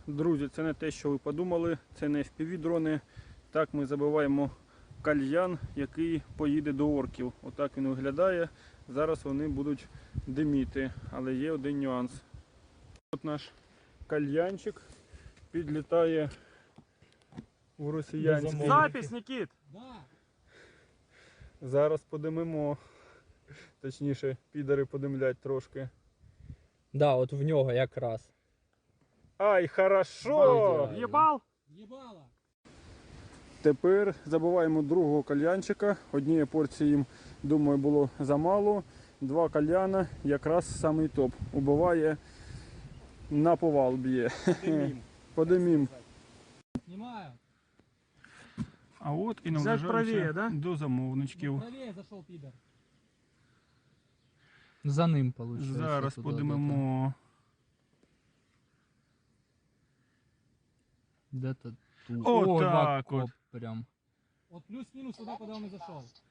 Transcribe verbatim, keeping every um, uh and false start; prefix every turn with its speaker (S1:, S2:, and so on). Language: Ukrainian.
S1: Друзі, це не те, що ви подумали, це не еф пі ві-дрони. Так ми забиваємо кальян, який поїде до орків. Отак він виглядає. Зараз вони будуть диміти, але є один нюанс. От наш кальянчик підлітає у росіянський.
S2: Запись, Нікіт!
S3: Да.
S1: Зараз подимимо. Точніше, підари подимлять трошки.
S4: Да, от в нього якраз.
S1: Ай, хорошо!
S4: Ідеально.
S2: Єбал?
S3: Єбала.
S1: Тепер забиваємо другого кальянчика. Однієї порції їм, думаю, було замало. Два кальяна, якраз самий топ. Убиває, на повал б'є. Подимім.
S3: Снимаю.
S1: А от і
S2: Взять правее,
S1: наближаємося
S2: да?
S1: до замовничків.
S3: Правее зашел пидор.
S4: За ним виходить.
S1: Зараз подимемо.
S4: Де-то тут.
S1: О,
S4: О,
S1: так
S4: на
S1: от.
S4: коп прям.
S3: Вот плюс-минус туда, куда он и зашел.